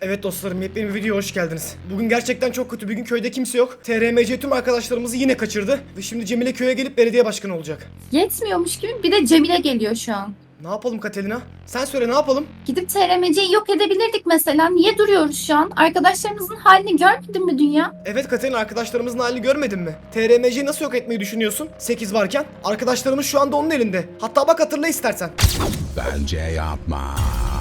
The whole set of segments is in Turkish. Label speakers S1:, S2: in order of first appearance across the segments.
S1: Evet dostlarım, yepyeni bir videoya hoş geldiniz. Bugün gerçekten çok kötü bir gün, köyde kimse yok. TRMC tüm arkadaşlarımızı yine kaçırdı. Ve şimdi Cemile köye gelip belediye başkanı olacak.
S2: Yetmiyormuş gibi bir de Cemile geliyor şu an.
S1: Ne yapalım Katelina? Sen söyle, ne yapalım?
S2: Gidip TRMC'yi yok edebilirdik mesela. Niye duruyoruz şu an? Arkadaşlarımızın halini görmedin mi dünya?
S1: Evet Katelina, arkadaşlarımızın halini görmedin mi? TRMC'yi nasıl yok etmeyi düşünüyorsun? 8 varken. Arkadaşlarımız şu anda onun elinde. Hatta bak, hatırla istersen.
S3: Bence yapma.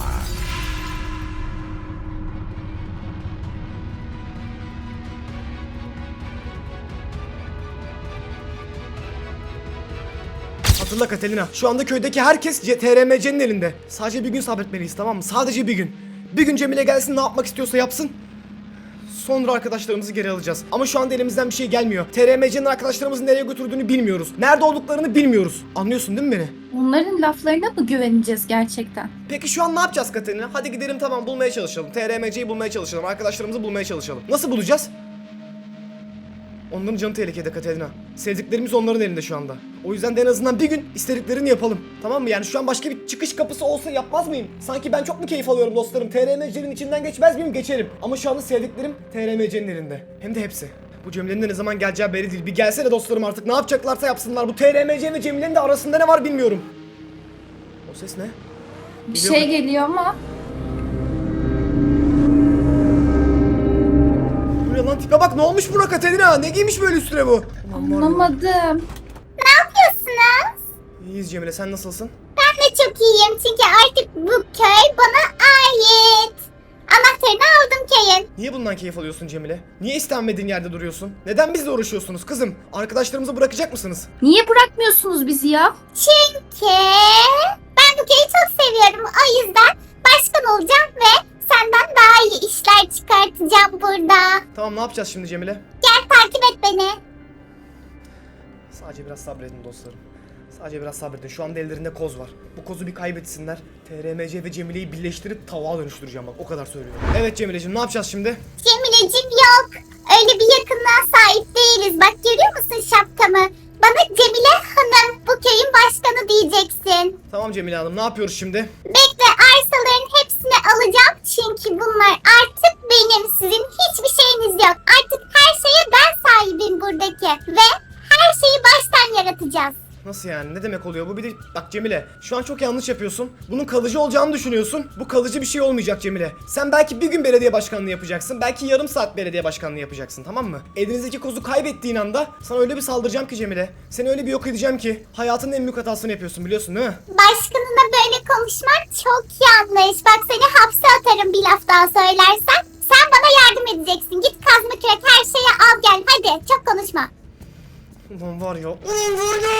S1: Hatırla Katelina, şu anda köydeki herkes TRMC'nin elinde. Sadece bir gün sabretmeliyiz, tamam mı? Sadece bir gün. Bir gün Cemile gelsin, ne yapmak istiyorsa yapsın. Sonra arkadaşlarımızı geri alacağız. Ama şu anda elimizden bir şey gelmiyor. TRMC'nin arkadaşlarımızı nereye götürdüğünü bilmiyoruz. Nerede olduklarını bilmiyoruz. Anlıyorsun değil mi beni?
S2: Onların laflarına mı güveneceğiz gerçekten?
S1: Peki şu an ne yapacağız Katerina? Hadi gidelim, tamam, bulmaya çalışalım. TRMC'yi bulmaya çalışalım. Arkadaşlarımızı bulmaya çalışalım. Nasıl bulacağız? Onların canı tehlikede Katerina. Sevdiklerimiz onların elinde şu anda. O yüzden de en azından bir gün istediklerini yapalım. Tamam mı? Yani şu an başka bir çıkış kapısı olsa yapmaz mıyım? Sanki ben çok mu keyif alıyorum dostlarım? TRMC'nin içinden geçmez miyim? Geçerim. Ama şu anda sevdiklerim TRMC'nin elinde. Hem de hepsi. Bu Cemile'nin de ne zaman geleceği belli değil. Bir gelsene dostlarım artık. Ne yapacaklarsa yapsınlar. Bu TRMC ve Cemile'nin de arasında ne var bilmiyorum. O ses ne?
S2: Bir
S1: Geliyor
S2: şey
S1: mu?
S2: geliyor ama
S1: Bu ne lan, tipe bak, ne olmuş buna Katerina? Ne giymiş böyle üstüne bu? Aman var ya.
S2: anlamadım.
S4: Yapıyorsunuz?
S1: İyiyiz Cemile, sen nasılsın?
S4: Ben de çok iyiyim çünkü artık bu köy bana ait. Anahtarını aldım köyün.
S1: Niye bundan keyif alıyorsun Cemile? Niye istenmediğin yerde duruyorsun? Neden bizle uğraşıyorsunuz kızım? Arkadaşlarımızı bırakacak mısınız?
S2: Niye bırakmıyorsunuz bizi ya?
S4: Çünkü ben bu köyü çok seviyorum. O yüzden başkan olacağım ve senden daha iyi işler çıkartacağım burada.
S1: Tamam, ne yapacağız şimdi Cemile?
S4: Gel takip et beni.
S1: Sadece biraz sabredin dostlarım. Sadece biraz sabredin. Şu anda ellerinde koz var. Bu kozu bir kaybetsinler. TRMC ve Cemile'yi birleştirip tavuğa dönüştüreceğim, bak o kadar söylüyorum. Evet Cemile'ciğim, ne yapacağız şimdi?
S4: Cemile'cim yok. Öyle bir yakınlığa sahip değiliz. Bak görüyor musun şapkamı? Bana Cemile Hanım, bu köyün başkanı diyeceksin.
S1: Tamam Cemile Hanım, ne yapıyoruz şimdi?
S4: Bekle, arsaların hepsini alacağım çünkü bunlar artık benim. Sizin hiçbir şeyiniz yok. Artık her şeye ben sahibim buradaki. Ve her şeyi baştan yaratacağız.
S1: Nasıl yani? Ne demek oluyor bu? Bir de bak Cemile, şu an çok yanlış yapıyorsun. Bunun kalıcı olacağını düşünüyorsun. Bu kalıcı bir şey olmayacak Cemile. Sen belki bir gün belediye başkanlığı yapacaksın. Belki yarım saat belediye başkanlığı yapacaksın, tamam mı? Elinizdeki kozu kaybettiğin anda sana öyle bir saldıracağım ki Cemile. Seni öyle bir yok edeceğim ki. Hayatının en büyük hatasını yapıyorsun, biliyorsun değil mi?
S4: Başkanına böyle konuşman çok yanlış. Bak seni hapse atarım bir laf daha söylersen. Sen bana yardım edeceksin. Git kazma kürek her şeyi al gel. Hadi çok konuşma.
S1: Ulan var ya. Ulan var ya.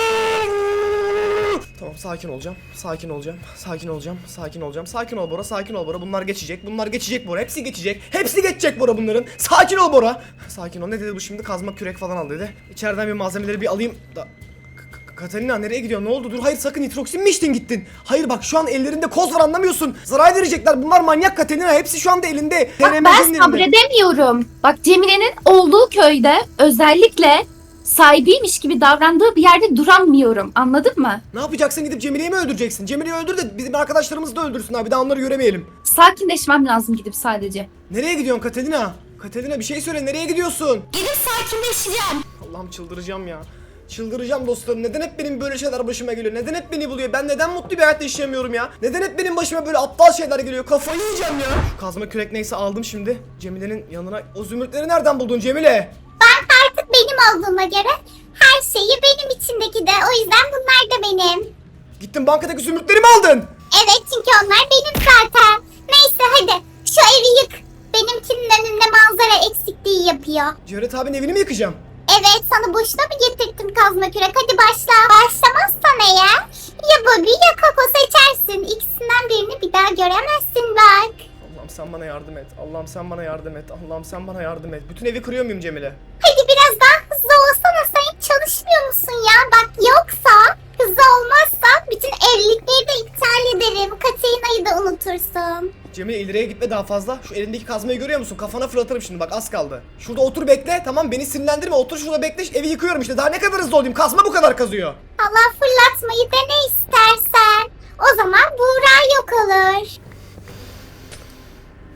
S1: Tamam, sakin olacağım. Sakin olacağım. Sakin olacağım. Sakin olacağım. Sakin ol Bora. Sakin ol Bora. Bunlar geçecek. Bunlar geçecek Bora. Hepsi geçecek. Hepsi geçecek Bora bunların. Sakin ol Bora. Sakin ol. Ne dedi bu şimdi? Kazma kürek falan al dedi. İçeriden bir malzemeleri bir alayım da. Katalina nereye gidiyor? Ne oldu? Dur, hayır, sakın nitroksin mi içtin gittin? Hayır bak, şu an ellerinde koz var, anlamıyorsun. Zarar verecekler. Bunlar manyak Katalina. Hepsi şu anda elinde.
S2: Bak
S1: TRMC'nin
S2: ben
S1: elinde.
S2: sabredemiyorum. Bak Cemile'nin olduğu köyde özellikle sahibiymiş gibi davrandığı bir yerde duramıyorum. Anladın mı?
S1: Ne yapacaksın? Gidip Cemile'yi mi öldüreceksin? Cemile'yi öldür de bizim arkadaşlarımızı da öldürsünler. Bir daha onları göremeyelim.
S2: Sakinleşmem lazım gidip sadece.
S1: Nereye gidiyorsun Katerina? Katerina bir şey söyle, nereye gidiyorsun?
S2: Gidip sakinleşeceğim.
S1: Allah'ım, çıldıracağım ya. Çıldıracağım dostlarım. Neden hep benim böyle şeyler başıma geliyor? Neden hep beni buluyor? Ben neden mutlu bir hayat yaşayamıyorum ya? Neden hep benim başıma böyle aptal şeyler geliyor? Kafayı yiyeceğim ya. Şu kazma kürek neyse aldım şimdi. Cemile'nin yanına. O zümrütleri nereden buldun Cemile?
S4: Ben artık benim olduğuma göre her şeyi benim içindeki de. O yüzden bunlar da benim.
S1: Gittin bankadaki zümrütleri mi aldın?
S4: Evet çünkü onlar benim zaten. Neyse hadi şu evi yık. Benimkinin önünde manzara eksikliği yapıyor.
S1: Cevdet abinin evini mi yıkacağım?
S4: Evet sana boşuna mı getirttim kazma kürek? Hadi başla. Başlamazsan eğer ya Bobby ya Coco seçersin. İkisinden birini bir daha göremezsin bak.
S1: Allah'ım sen bana yardım et. Allah'ım sen bana yardım et. Allah'ım sen bana yardım et. Bütün evi kırıyor muyum Cemile?
S4: Hadi biraz daha hızlı olsana, sen hiç çalışmıyor musun ya? Bak yoksa hızlı olmazsa bütün evlilikleri de iptal ederim. Katerina'yı da unutursun.
S1: Cemile, ileriye gitme daha fazla. Şu elindeki kazmayı görüyor musun? Kafana fırlatırım şimdi, bak az kaldı. Şurada otur bekle, tamam, beni sinirlendirme, otur şurada bekle, evi yıkıyorum işte. Daha ne kadar hızlı olayım? Kazma bu kadar kazıyor.
S4: Allah, fırlatmayı dene istersen. O zaman Buğra yok olur.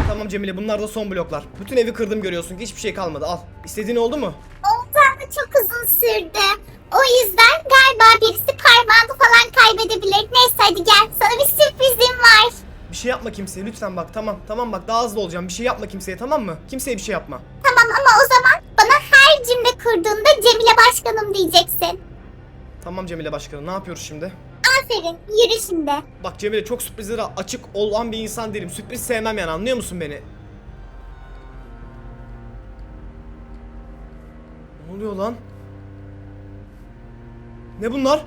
S1: Tamam Cemile, bunlar da son bloklar. Bütün evi kırdım, görüyorsun ki hiçbir şey kalmadı. Al. İstediğin oldu mu?
S4: Oldu ama çok uzun sürdü. O yüzden galiba birisi parmağını falan kaybedebilir. Neyse hadi gel, sana bir sürprizim var.
S1: Bir şey yapma kimseye lütfen bak. Tamam bak, daha hızlı olacağım. Bir şey yapma kimseye, tamam mı? Kimseye bir şey yapma.
S4: Tamam ama o zaman bana her cümle kurduğunda Cemile Başkanım diyeceksin.
S1: Tamam Cemile Başkanım, ne yapıyoruz şimdi?
S4: Aferin, yürü şimdi.
S1: Bak Cemile, çok sürprizlere açık olan bir insan değilim. Sürpriz sevmem yani, anlıyor musun beni? Ne oluyor lan? Ne bunlar?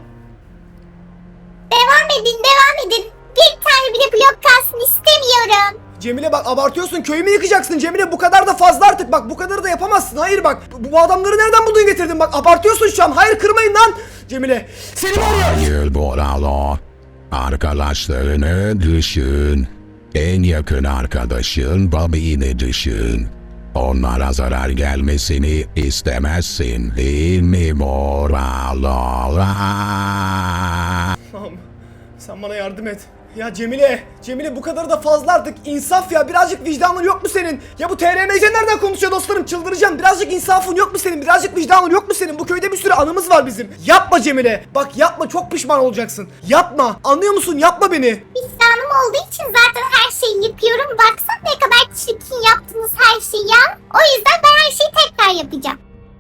S4: Devam edin. Bir tane bile blok kalsın istemiyorum.
S1: Cemile bak, abartıyorsun, köyümü yıkacaksın Cemile, bu kadar da fazla artık, bak bu kadarı da yapamazsın. Hayır bak, bu adamları nereden buldun getirdin, bak abartıyorsun şu an. Hayır, kırmayın lan Cemile, seni var ya.
S3: Hayır buralı. Arkadaşlarını düşün. En yakın arkadaşın Bobby'ni düşün. Onlara zarar gelmesini istemezsin değil mi Moralı?
S1: Tamam, sen bana yardım et. Ya Cemile bu kadar da fazla artık, insaf ya, birazcık vicdanın yok mu senin? Ya bu TRMC nereden konuşuyor dostlarım, çıldıracağım. Birazcık insafın yok mu senin, birazcık vicdanın yok mu senin? Bu köyde bir sürü anımız var bizim. Yapma Cemile, bak yapma, çok pişman olacaksın. Yapma, anlıyor musun, yapma beni.
S4: Vicdanım olduğu için zaten her şeyi yıkıyorum. Baksana ne kadar çirkin yaptınız her şeyi ya. O yüzden ben her şeyi tekrar yapacağım.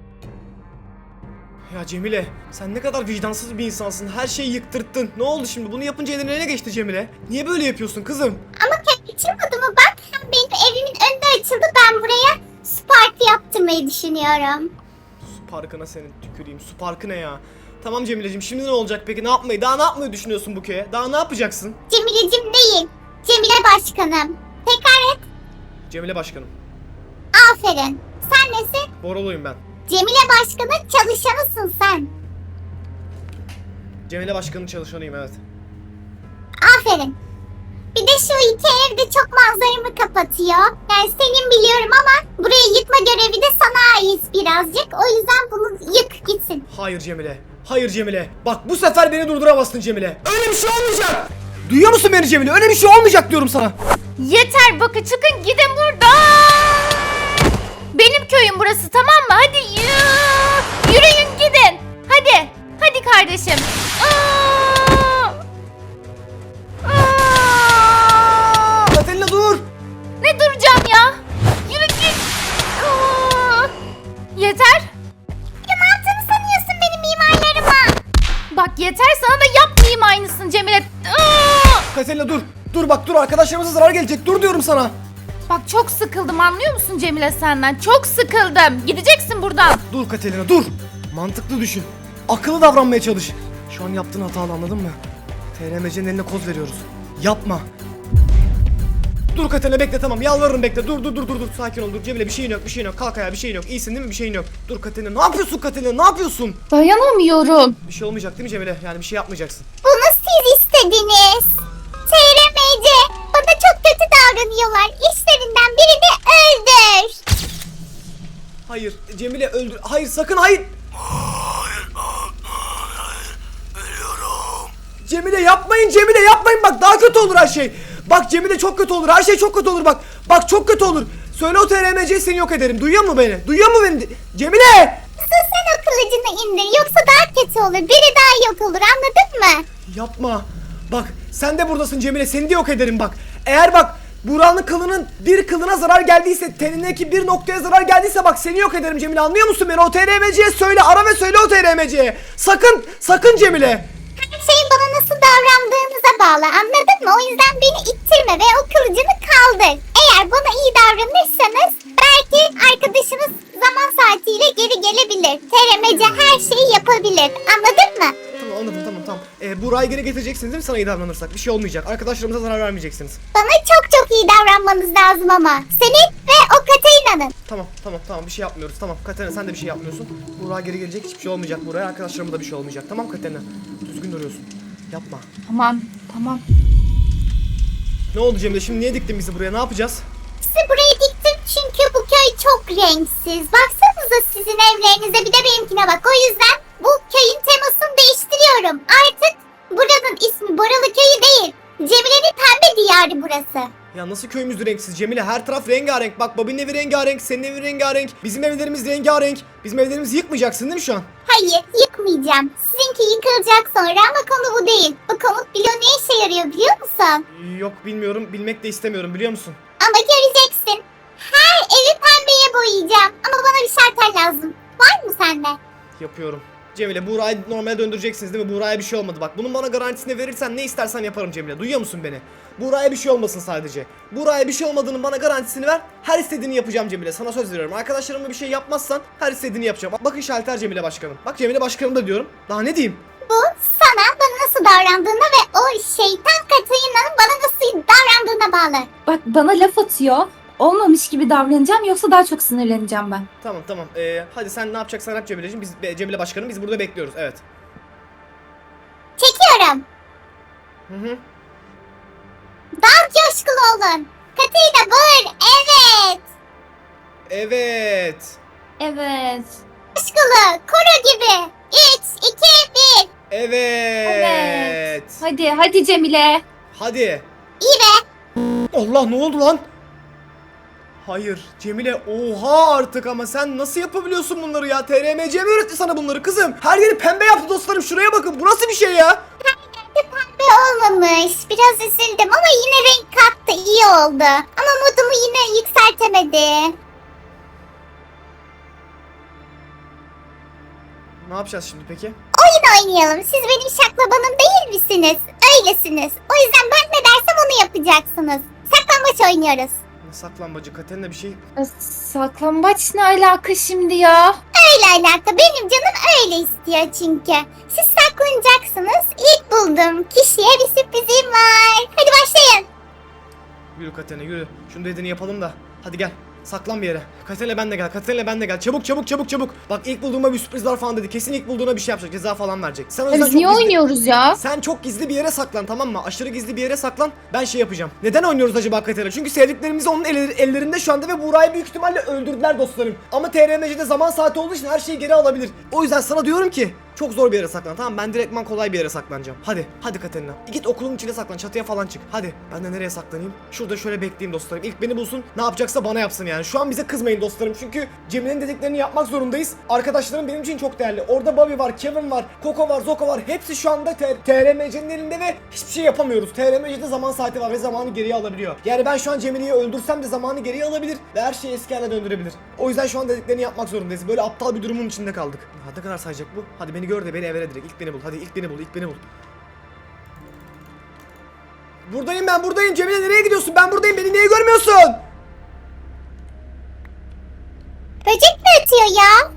S1: Ya Cemile, sen ne kadar vicdansız bir insansın, her şeyi yıktırttın. Ne oldu şimdi, bunu yapınca eline ne geçti Cemile? Niye böyle yapıyorsun kızım?
S4: Ama açılmadı mı bak, hem benim evimin önünde açıldı, ben buraya su parkı yaptırmayı düşünüyorum.
S1: Su parkına senin tüküreyim, su parkı ne ya? Tamam Cemile'cim, şimdi ne olacak peki, daha ne yapmayı düşünüyorsun bu köye? Daha ne yapacaksın?
S4: Cemile'cim değil, Cemile Başkanım. Tekrar et.
S1: Cemile Başkanım.
S4: Aferin. Sen nesin?
S1: Boroluyum ben.
S4: Cemile Başkan'ın çalışanısın sen.
S1: Cemile Başkan'ın çalışanıyım, evet.
S4: Aferin. Bir de şu iki ev de çok manzaramı kapatıyor. Yani senin biliyorum ama burayı yıkma görevi de sana ait birazcık. O yüzden bunu yık gitsin.
S1: Hayır Cemile. Hayır Cemile. Bak bu sefer beni durduramazsın Cemile. Öyle bir şey olmayacak. Duyuyor musun beni Cemile? Öyle bir şey olmayacak diyorum sana.
S2: Yeter bakın, çıkın gidin buradan. Benim köyüm burası, tamam mı? Hadi yürüyün gidin. Hadi kardeşim.
S1: Katerina dur.
S2: Ne duracağım ya? Yürü git. Yeter.
S4: Ya ne yaptığını sanıyorsun benim mimarlarıma?
S2: Bak yeter, sana da yapmayayım aynısını Cemile.
S1: Katerina dur. Dur bak, dur, arkadaşlarımıza zarar gelecek. Dur diyorum sana.
S2: Bak çok sıkıldım, anlıyor musun Cemile senden? Çok sıkıldım. Gideceksin buradan.
S1: Dur Katerina dur. Mantıklı düşün. Akıllı davranmaya çalış. Şu an yaptığın hatalı, anladın mı? TRMC'nin eline koz veriyoruz. Yapma. Dur Katerina, bekle, tamam, yalvarırım, bekle. Dur. Sakin ol, dur. Cemile bir şeyin yok. Kalk ayağa, bir şeyin yok. İyisin değil mi? Bir şeyin yok. Dur Katerina, ne yapıyorsun Katerina? Ne yapıyorsun?
S2: Dayanamıyorum.
S1: Bir şey olmayacak değil mi Cemile? Yani bir şey yapmayacaksın.
S4: Bunu siz istediniz. TRMC bana çok kötü davranıyorlar. İşlerinden birini öldür.
S1: Hayır Cemile, öldür. Hayır, sakın, hayır. Cemile yapmayın, bak daha kötü olur her şey. Bak Cemile, çok kötü olur, her şey çok kötü olur, bak çok kötü olur. Söyle o TRMC'yi, seni yok ederim. Duyuyor mu beni? Cemile!
S4: Sen o kılıcını indir, yoksa daha kötü olur. Biri daha yok olur, anladın mı?
S1: Yapma. Bak sen de buradasın Cemile, seni de yok ederim bak. Eğer bak Buranın kılının bir kılına zarar geldiyse, tenindeki bir noktaya zarar geldiyse bak seni yok ederim Cemile, anlıyor musun beni? O TRMC'ye söyle, ara ve söyle o TRMC'ye. Sakın Cemile.
S4: Her şey bana nasıl davrandığınıza bağlı, anladın mı? O yüzden beni ittirme ve o kılıcını kaldır. Eğer bana iyi davranırsanız belki arkadaşınız zaman saatiyle geri gelebilir. TRMC her şeyi yapabilir, anladın mı?
S1: Tamam, anladım, tamam. Burayı geri getireceksiniz değil mi, sana iyi davranırsak? Bir şey olmayacak. Arkadaşlarımıza zarar vermeyeceksiniz.
S4: Bana çok iyi davranmanız lazım ama. Senin ve o Katarina'nın.
S1: Tamam, bir şey yapmıyoruz. Tamam Katerina, sen de bir şey yapmıyorsun. Burak geri gelecek, hiçbir şey olmayacak buraya. Arkadaşlarıma da bir şey olmayacak. Tamam Katerina. Düzgün duruyorsun. Yapma.
S2: Tamam.
S1: Ne oldu Cemile? Şimdi niye diktin bizi buraya? Ne yapacağız?
S4: Sizi buraya diktim çünkü bu köy çok renksiz. Baksanıza sizin evlerinize, bir de benimkine bak. O yüzden bu köyün temasını değiştiriyorum. Artık buranın ismi Boralı Köyü değil, Cemile'nin pembe diyarı burası.
S1: Ya nasıl köyümüz renksiz Cemile? Her taraf rengarenk. Bak Bobby'nin evi rengarenk, senin evin rengarenk. Bizim evlerimiz rengarenk. Bizim evlerimizi yıkmayacaksın değil mi şu an?
S4: Hayır, yıkmayacağım. Sizinki yıkılacak sonra ama konu bu değil. Bu komut bloğu ne işe yarıyor biliyor musun?
S1: Yok bilmiyorum. Bilmek de istemiyorum biliyor musun?
S4: Ama göreceksin. Her evi pembeye boyayacağım. Ama bana bir şartel lazım. Var mı sende?
S1: Yapıyorum. Cemile Buğra'yı normale döndüreceksiniz değil mi? Buğra'ya bir şey olmadı bak. Bunun bana garantisini verirsen ne istersen yaparım Cemile. Duyuyor musun beni? Buğra'ya bir şey olmasın sadece. Buğra'ya bir şey olmadığının bana garantisini ver. Her istediğini yapacağım Cemile. Sana söz veriyorum. Arkadaşlarıma bir şey yapmazsan her istediğini yapacağım. Bakın şalter Cemile Başkanım. Bak Cemile Başkanım da diyorum. Daha ne diyeyim?
S4: Bu sana bana nasıl davrandığına ve o şeytan Katarina'nın bana nasıl davrandığına bağlı.
S5: Bak bana laf atıyor. Olmamış gibi davranacağım yoksa daha çok sinirleneceğim ben.
S1: Tamam. Hadi sen ne yapacaksan yap Cemile'ciğim. Cemile Başkanım biz burada bekliyoruz. Evet.
S4: Çekiyorum.
S1: Hı.
S4: Daha coşkulu olun. Katarina bağır. Evet.
S1: Evet.
S5: Evet.
S4: Coşkulu. Koro gibi. 3, 2, 1.
S1: Evet.
S5: Hadi Cemile.
S1: Hadi.
S4: İyi be.
S1: Allah ne oldu lan? Hayır Cemile oha artık ama sen nasıl yapabiliyorsun bunları ya? TRMC mi öğretti sana bunları kızım? Her yeri pembe yaptı dostlarım şuraya bakın bu nasıl bir şey ya?
S4: Pembe olmamış. Biraz üzüldüm ama yine renk kattı. İyi oldu. Ama modumu yine yükseltemedi.
S1: Ne yapacağız şimdi peki?
S4: Oyun oynayalım. Siz benim şaklabanım değil misiniz? Öylesiniz. O yüzden ben ne dersem onu yapacaksınız. Saklambaç oynuyoruz.
S1: Ne saklambacı Katerina bir şey...
S5: Saklambaç ne alaka şimdi ya?
S4: Öyle alaka. Benim canım öyle istiyor çünkü. Siz saklanacaksınız. İlk bulduğum kişiye bir sürprizim var. Hadi başlayın.
S1: Yürü Katerina yürü. Şunu dediğini yapalım da. Hadi gel. Saklan bir yere. Katerina ben de gel. Katerina ben de gel. Çabuk. Bak ilk bulduğuma bir sürpriz var falan dedi. Kesin ilk bulduğuna bir şey yapacak. Ceza falan verecek. Sen o yüzden
S5: Biz niye
S1: çok gizli...
S5: oynuyoruz ya?
S1: Sen çok gizli bir yere saklan tamam mı? Aşırı gizli bir yere saklan. Ben şey yapacağım. Neden oynuyoruz acaba Katerina? Çünkü sevdiklerimiz onun ellerinde şu anda ve Buğra'yı büyük ihtimalle öldürdüler dostlarım. Ama TRMC'de zaman saati olduğu için her şeyi geri alabilir. O yüzden sana diyorum ki çok zor bir yere saklan tamam mı? Ben direktman kolay bir yere saklanacağım. Hadi Katerina. Git okulun içine saklan. Çatıya falan çık. Hadi. Ben de nereye saklanayım? Şurada şöyle bekleyeyim dostlarım. İlk beni bulsun. Ne yapacaksa bana yapsın yani. Şu an bize kızmayın dostlarım. Çünkü Cemile'nin dediklerini yapmak zorundayız. Arkadaşlarım benim için çok değerli. Orada Bobby var, Kevin var, Coco var, Zoko var. Hepsi şu anda TRMC'nin elinde ve hiçbir şey yapamıyoruz. TRMC'de zaman saati var ve zamanı geriye alabiliyor. Yani ben şu an Cemile'yi öldürsem de zamanı geriye alabilir ve her şeyi eski haline döndürebilir. O yüzden şu an dediklerini yapmak zorundayız. Böyle aptal bir durumun içinde kaldık. Ne kadar sayacak bu? Hadi beni gör de beni evere direkt. İlk beni bul. Hadi ilk beni bul. Buradayım. Cemile nereye gidiyorsun? Ben buradayım. Beni niye görmüyorsun?
S4: Böcek mi ötüyor ya?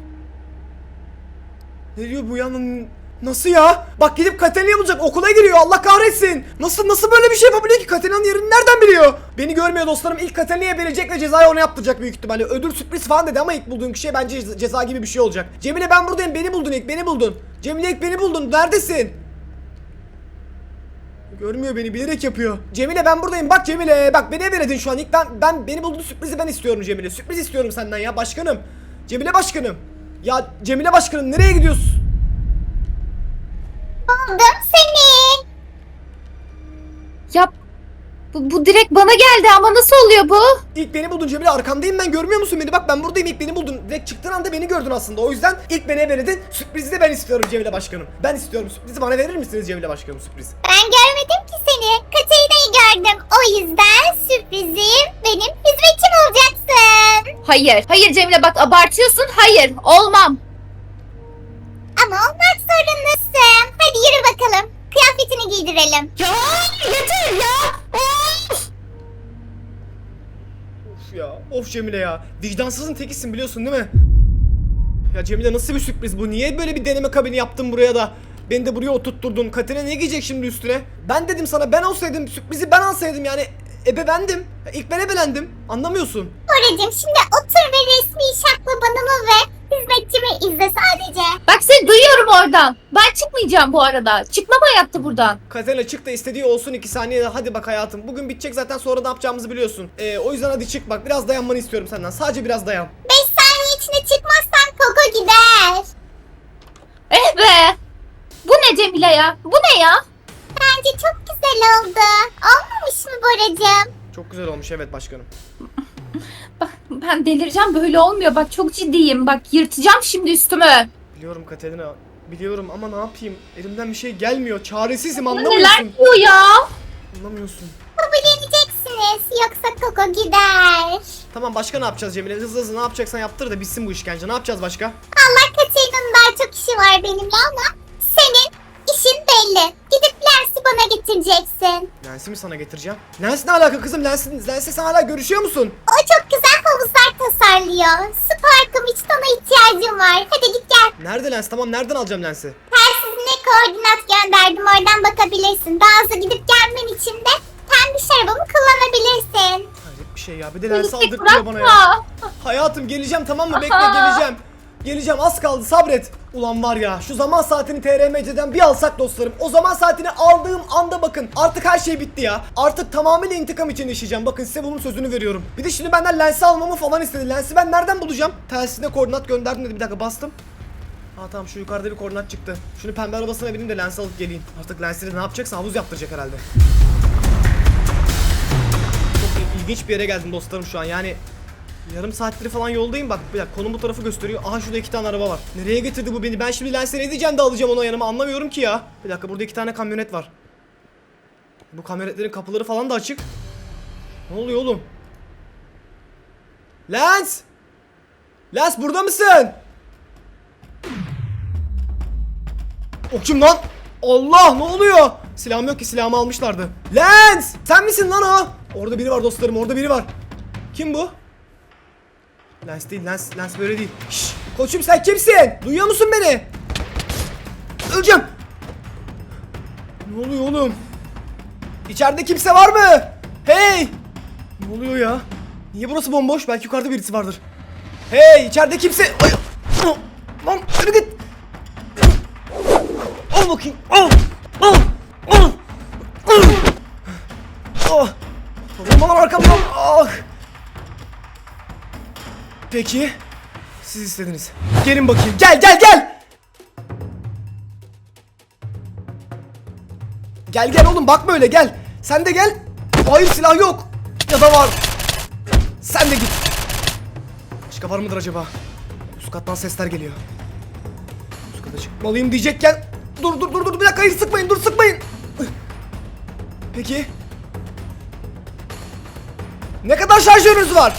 S1: Ne diyor bu ya? Nasıl ya? Bak gidip Katalina'yı bulacak. Okula giriyor. Allah kahretsin. Nasıl böyle bir şey yapabiliyor ki? Katalina'nın yerini nereden biliyor? Beni görmüyor dostlarım. İlk Katalina'ya verecek ve cezayı ona yaptıracak büyük ihtimalle. Ödül sürpriz falan dedi ama ilk bulduğun kişiye bence ceza gibi bir şey olacak. Cemile ben buradayım. Beni buldun. Cemile ilk beni buldun. Neredesin? Görmüyor beni. Bilerek yapıyor. Cemile ben buradayım. Bak Cemile. Bak beni veredin şu an. İlk beni bulduğun sürprizi ben istiyorum Cemile. Sürpriz istiyorum senden ya başkanım. Cemile başkanım. Ya Cemile başkanım nereye gidiyorsun?
S4: Buldum seni.
S5: Ya bu direkt bana geldi ama nasıl oluyor bu?
S1: İlk beni buldun Cemile arkandayım ben görmüyor musun beni bak ben buradayım ilk beni buldun direkt çıktığın anda beni gördün aslında o yüzden ilk beni veredin sürprizi de ben istiyorum Cemile başkanım ben istiyorum sürprizi bana verir misiniz Cemile başkanım sürpriz
S4: Ben görmedim ki seni. Katarina'yı gördüm. O yüzden sürprizim benim hizmetçim olacaksın.
S5: Hayır Cemile bak abartıyorsun. Hayır olmam.
S4: Ama olmak zorundasın. Hadi yürü bakalım. Kıyafetini giydirelim.
S5: Ya yeter ya.
S1: Of ya of Cemile ya vicdansızın tekisin biliyorsun değil mi? Ya Cemile nasıl bir sürpriz bu niye böyle bir deneme kabini yaptın buraya da beni de buraya oturtturdun Katerina ne giyecek şimdi üstüne? Ben dedim sana ben olsaydım sürprizi ben alsaydım yani ebevendim ilk ben ebelendim anlamıyorsun.
S4: Koracığım şimdi otur ve resmi şaklabanımı ve hizmetçimi izle sadece.
S5: Bak seni duyuyorum oradan. Ben çıkmayacağım bu arada. Çıkmam hayatta buradan.
S1: Katerina çık da istediği olsun 2 saniyede hadi bak hayatım bugün bitecek zaten sonra ne yapacağımızı biliyorsun. O yüzden hadi çık bak biraz dayanmanı istiyorum senden sadece biraz dayan.
S4: 5 saniye içinde çıkmazsan Koko gider.
S5: Eh be. Bu ne Cemile ya? Bu ne ya?
S4: Bence çok güzel oldu. Olmamış mı Boracığım?
S1: Çok güzel olmuş evet başkanım.
S5: Bak ben delireceğim, böyle olmuyor. Bak çok ciddiyim. Bak yırtacağım şimdi üstümü.
S1: Biliyorum Katerina. Biliyorum ama ne yapayım? Elimden bir şey gelmiyor. Çaresizim
S5: Neler
S1: anlamıyorsun.
S5: diyor ya?
S1: Anlamıyorsun.
S4: Kabulleneceksiniz yoksa Koko gider.
S1: Tamam başka ne yapacağız Cemile? Hızlı hızlı ne yapacaksan yaptır da bitsin bu işkence. Ne yapacağız başka?
S4: Allah Katerina'nın daha çok işi var benimle ama senin işin belli. Gidip Lens'i bana getireceksin.
S1: Lens'i mi sana getireceğim? Lens ne alaka kızım? Lens'le sen hala görüşüyor musun?
S4: O çok güzel havuzlar tasarlıyor. Su parkım için ona ihtiyacım var. Hadi git gel.
S1: Nerede Lens? Tamam nereden alacağım Lens'i?
S4: Telsizine koordinat gönderdim. Oradan bakabilirsin. Daha hızlı gidip gelmen için de pembiş arabamı kullanabilirsin.
S1: Hayret bir şey ya. Bir de Lens'i
S5: Polislik
S1: aldırtıyor bana ya.
S5: bırakma.
S1: Hayatım geleceğim tamam mı? Bekle geleceğim. Geleceğim az kaldı sabret. Ulan var ya şu zaman saatini TRMC'den bir alsak dostlarım. O zaman saatini aldığım anda bakın artık her şey bitti ya. Artık tamamıyla intikam için yaşayacağım. Bakın size bunun sözünü veriyorum. Bir de şimdi benden Lens'i almamı falan istedi. Lens'i ben nereden bulacağım? Telsizine koordinat gönderdim dedi. Bir dakika bastım. Ha tamam şu yukarıda bir koordinat çıktı. Şunu pembe arabasına bineyim de Lens'i alıp geleyim. Artık Lens'i ne yapacaksa havuz yaptıracak herhalde. Çok ilginç bir yere geldim dostlarım şu an yani. Yarım saattir falan yoldayım bak bir dakika konum bu tarafı gösteriyor. Aha şurada 2 tane araba var. Nereye getirdi bu beni? Ben şimdi Lens'e ne diyeceğim de alacağım onu yanıma anlamıyorum ki ya. Bir dakika burada 2 tane kamyonet var. Bu kamyonetlerin kapıları falan da açık. Ne oluyor oğlum? Lens! Lens burada mısın? O kim lan? Allah ne oluyor? Silahım yok ki silahımı almışlardı. Lens! Sen misin lan o? Orada biri var dostlarım orada biri var. Kim bu? Lens değil Lens böyle değil. Şşş koçum sen kimsin? Duyuyor musun beni? Öleceğim. Ne oluyor oğlum? İçeride kimse var mı? Hey! Ne oluyor ya? Niye burası bomboş? Belki yukarıda birisi vardır. Hey içeride kimse... Ay! Lan yürü git. Al bakayım. Al. Al. Al. Al. Ah. Vurma lan arkamdan. Ah. Peki. Siz istediniz. Gelin bakayım. Gel gel gel. Gel gel oğlum bakma öyle gel. Sen de gel. Hayır silah yok. Ya da var. Sen de git. Başka var mıdır acaba? Üst kattan sesler geliyor. Üst kata çıkmalıyım diyecekken. Dur bir dakika hayır sıkmayın dur sıkmayın. Peki. Ne kadar şarjörünüz var?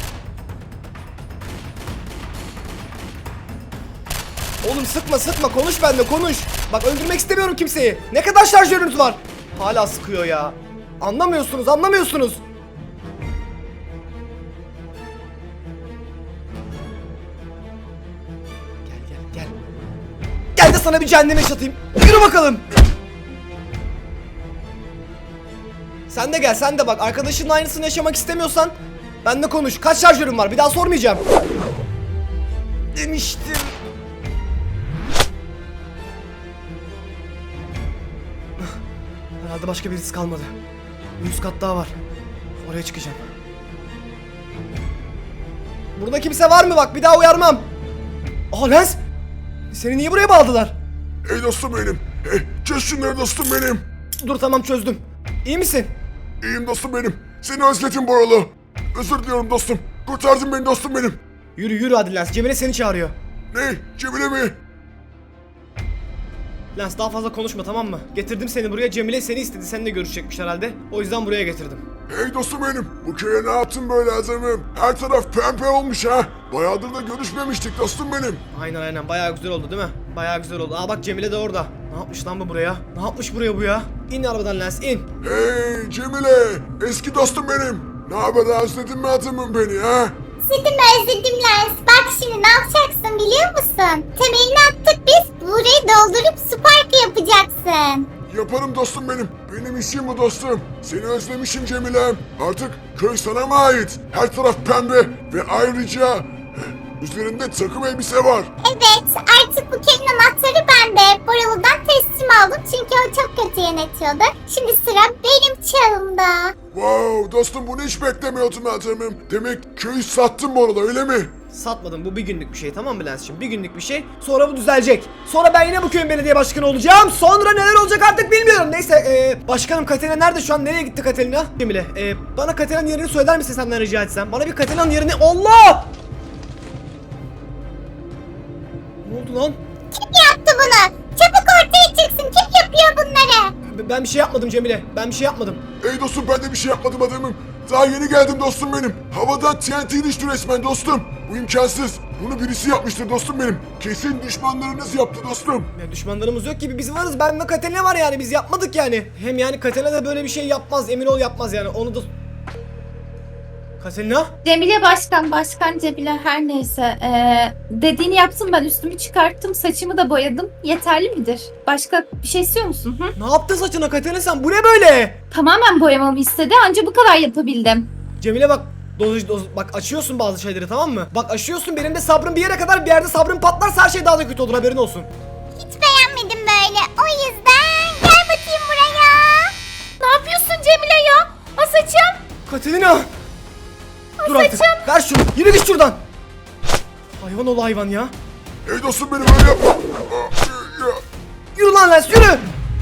S1: Oğlum sıkma konuş benimle konuş. Bak öldürmek istemiyorum kimseyi. Ne kadar şarjörünüz var? Hala sıkıyor ya. Anlamıyorsunuz. Gel. Gel de sana bir cehenneme yaşatayım. Yürü bakalım. Sen de gel sen de bak. Arkadaşının aynısını yaşamak istemiyorsan benimle konuş. Kaç şarjörün var? Bir daha sormayacağım. Demiştim. Herhalde başka birisi kalmadı. Bir üst kat daha var. Oraya çıkacağım. Burada kimse var mı bak bir daha uyarmam. Aa Lens. Seni niye buraya bağladılar?
S6: Ey dostum benim. Çöz şunları dostum benim.
S1: Dur tamam çözdüm. İyi misin?
S6: İyiyim dostum benim. Seni özledim Boralı. Özür diliyorum dostum. Kurtardın beni dostum benim.
S1: Yürü hadi Lens. Cemile seni çağırıyor.
S6: Ne? Cemile mi?
S1: Lens daha fazla konuşma tamam mı? Getirdim seni buraya. Cemile seni istedi. Seninle görüşecekmiş herhalde. O yüzden buraya getirdim.
S6: Hey dostum benim. Bu köye ne yaptın böyle Azem'im? Her taraf pembe olmuş ha. Bayağıdır da görüşmemiştik dostum benim.
S1: Aynen bayağı güzel oldu değil mi? Bayağı güzel oldu. Aa bak Cemile de orada. Ne yapmış lan bu buraya? Ne yapmış buraya bu ya? İn arabadan Lens in.
S6: Hey Cemile. Eski dostum benim. Ne haber özledin mi Azem'im beni ha?
S4: Özledim Lens. Bak şimdi ne yapacaksın biliyor musun? Temelini attık biz. Burayı doldurup su parkı yapacaksın.
S6: Yaparım dostum benim. Benim işim bu dostum. Seni özlemişim Cemile'm. Artık köy sana mı ait? Her taraf pembe ve ayrıca üzerinde takım elbise var.
S4: Evet artık bu köyün anahtarı bende. Boralı'dan teslim aldım çünkü o çok kötü yönetiyordu. Şimdi sıra benim çağımda.
S6: Wow dostum bunu hiç beklemiyordum Azem'im. Demek köyü sattın bu arada öyle mi?
S1: Satmadım. Bu bir günlük bir şey, tamam mı Lens'cim? Bir günlük bir şey. Sonra bu düzelecek. Sonra ben yine bu köyün belediye başkanı olacağım. Sonra neler olacak artık bilmiyorum. Neyse başkanım Katerina nerede şu an? Nereye gitti Katerina? Cemile bana Katerina'nın yerini söyler misin senden rica etsem? Bana bir Katerina'nın yerini... Allah! Ne oldu lan?
S4: Kim yaptı bunu? Çabuk ortaya çıksın. Kim yapıyor bunları?
S1: Ben bir şey yapmadım Cemile. Ben bir şey yapmadım.
S6: Ey dostum ben de bir şey yapmadım adamım. Daha yeni geldim dostum benim. Havadan TNT düştü resmen dostum. Bu imkansız. Bunu birisi yapmıştır dostum benim. Kesin düşmanlarınız yaptı dostum.
S1: Ya düşmanlarımız yok gibi, biz varız. Ben ve Katerina var yani, biz yapmadık yani. Hem yani Katerina da böyle bir şey yapmaz, emin ol yapmaz yani. Onu da... Katerina?
S5: Cemile başkan Cemile her neyse. Dediğini yaptım, ben üstümü çıkarttım, saçımı da boyadım. Yeterli midir? Başka bir şey istiyor musun? Hı?
S1: Ne yaptın saçına Katerina sen? Bu ne böyle?
S5: Tamamen boyamamı istedi, anca bu kadar yapabildim.
S1: Cemile bak, bak açıyorsun bazı şeyleri, tamam mı? Bak aşıyorsun, benim de sabrım bir yere kadar, bir yerde sabrım patlarsa her şey daha da kötü olur, haberin olsun.
S4: Hiç beğenmedim böyle. O yüzden gel bakayım buraya.
S2: Ne yapıyorsun Cemile ya? O saçım.
S1: Katerina! Dur artık, ver şunu, yürü git şuradan. Hayvan ol hayvan ya.
S6: Ey dostum benim öyle yapma.
S1: Yürü lan Lens, yürü!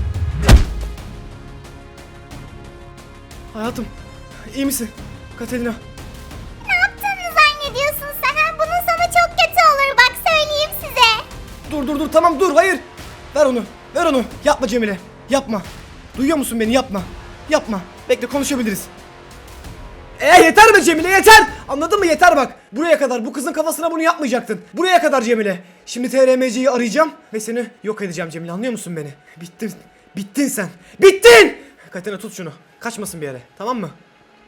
S1: Hayatım, iyi misin Katerina?
S4: Ne yaptığını zannediyorsun sen? Ha? Bunun sonu çok kötü olur. Bak söyleyeyim size.
S1: Dur tamam dur, hayır. Ver onu, yapma Cemile, yapma. Duyuyor musun beni, yapma. Yapma, bekle konuşabiliriz. Yeter be Cemile, yeter. Anladın mı, yeter bak. Buraya kadar, bu kızın kafasına bunu yapmayacaktın. Buraya kadar Cemile. Şimdi TRMC'yi arayacağım ve seni yok edeceğim Cemile, anlıyor musun beni? Bittin sen, bittin. Katerina tut şunu, kaçmasın bir yere, tamam mı?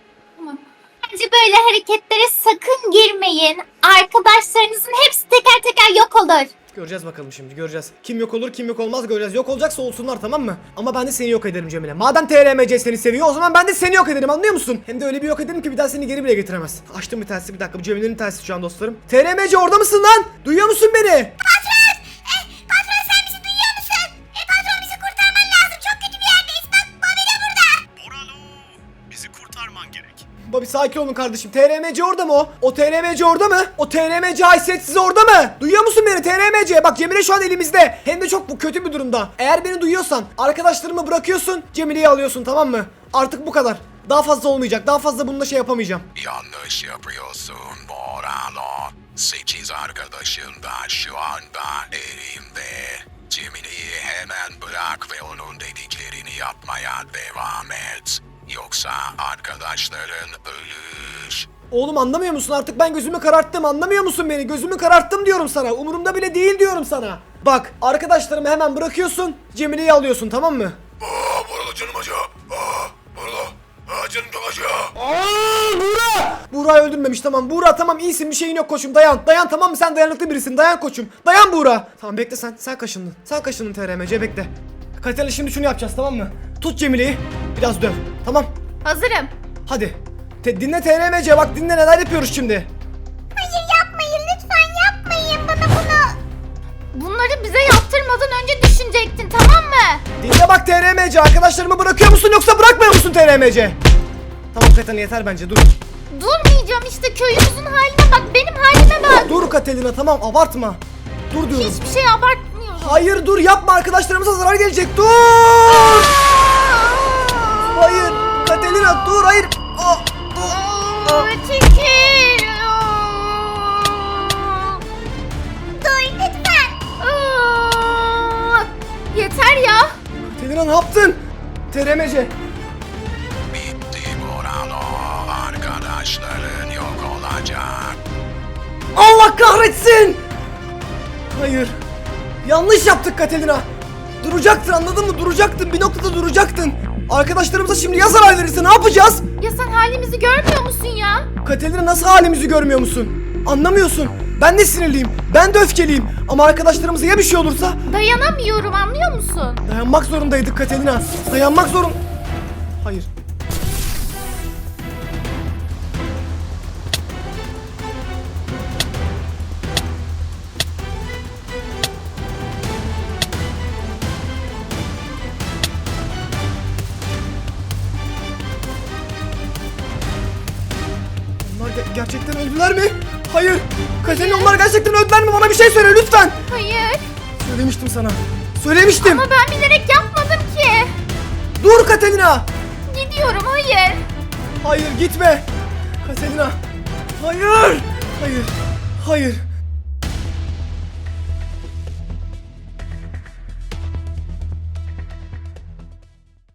S2: Bence böyle hareketlere sakın girmeyin. Arkadaşlarınızın hepsi teker teker yok olur.
S1: Göreceğiz bakalım şimdi, göreceğiz. Kim yok olur, kim yok olmaz göreceğiz. Yok olacaksa olsunlar, tamam mı? Ama ben de seni yok ederim Cemile. Madem TRMC seni seviyor, o zaman ben de seni yok ederim, anlıyor musun? Hem de öyle bir yok ederim ki bir daha seni geri bile getiremez. Açtım bir telsizi, bir dakika, bu Cemile'nin telsizi şu an dostlarım. TRMC orada mısın lan? Duyuyor musun beni?
S4: Patron sen bizi duyuyor musun? Patron bizi kurtarman lazım. Çok kötü bir yerdeyiz. Bak Bobby de burada.
S7: Boralo, bizi kurtarman gerek.
S1: Bobby sakin olun kardeşim. TRMC orada mı o? O TRMC orada mı? O TRMC haysiyetsiz orada mı? Duyuyor musun beni TRMC? Bak Cemile şu an elimizde. Hem de çok bu kötü bir durumda. Eğer beni duyuyorsan arkadaşlarımı bırakıyorsun, Cemile'yi alıyorsun, tamam mı? Artık bu kadar. Daha fazla olmayacak. Daha fazla bununla şey yapamayacağım.
S3: Yanlış yapıyorsun Boralo. 8 arkadaşın da şu anda elimde. Cemile'yi hemen bırak ve onun dediklerini yapmaya devam et. Yoksa arkadaşların ölür.
S1: Oğlum anlamıyor musun? Artık ben gözümü kararttım. Anlamıyor musun beni? Gözümü kararttım diyorum sana. Umurumda bile değil diyorum sana. Bak arkadaşlarımı hemen bırakıyorsun, Cemile'yi alıyorsun, tamam mı?
S6: Boralo canım acıyor. Boralo. Canım çok acıyor.
S1: Buğra'yı öldürmemiş, tamam. Buğra tamam, iyisin, bir şeyin yok koçum, dayan. Dayan, tamam mı, sen dayanıklı birisin, dayan koçum. Dayan Buğra. Tamam bekle sen kaşındın. Sen kaşındın TRMC, bekle. Katerina şimdi şunu yapacağız, tamam mı? Tut Cemile'yi, biraz döv, tamam.
S2: Hazırım.
S1: Hadi. Dinle TRMC, bak dinle, neler yapıyoruz şimdi.
S4: Hayır yapmayın. Lütfen yapmayın bana bunu.
S2: Bunları bize yaptırmadan önce düşünecektin, tamam mı?
S1: Dinle bak TRMC, arkadaşlarımı bırakıyor musun yoksa bırakmıyor musun TRMC? Tamam Katerina yeter bence, dur.
S2: Durmayacağım işte, köyümüzün haline bak, benim halime bak.
S1: Dur Katerina, tamam abartma. Dur diyorum.
S2: Hiçbir şey abartmıyorum.
S1: Hayır dur, yapma, arkadaşlarımıza zarar gelecek, dur. Hayır Katerina dur, hayır.
S2: Çekil.
S4: Dur lütfen.
S2: Yeter ya.
S1: Katerina ne yaptın? TRMC.
S3: Bitti Boralo. Arkadaşların yok olacak.
S1: Allah kahretsin. Hayır. Yanlış yaptık Katerina. Duracaktın, anladın mı? Duracaktın, bir noktada duracaktın. Arkadaşlarımıza şimdi ya zarar verirse ne yapacağız?
S2: Ya sen halimizi görmüyor musun ya?
S1: Katerina nasıl halimizi görmüyor musun? Anlamıyorsun. Ben de sinirliyim. Ben de öfkeliyim. Ama arkadaşlarımıza ya bir şey olursa?
S2: Dayanamıyorum, anlıyor musun?
S1: Dayanmak zorundaydık Katerina. Dayanmak zorun... Hayır. Onlar gerçek Gerçekten öldüler mi? Hayır. Katerina onlar gerçekten öldüler mi? Bana bir şey söyle lütfen.
S2: Hayır.
S1: Söylemiştim sana. Söylemiştim.
S2: Ama ben bilerek yapmadım ki.
S1: Dur Katerina.
S2: Gidiyorum, hayır.
S1: Hayır gitme. Katerina. Hayır. Hayır. Hayır.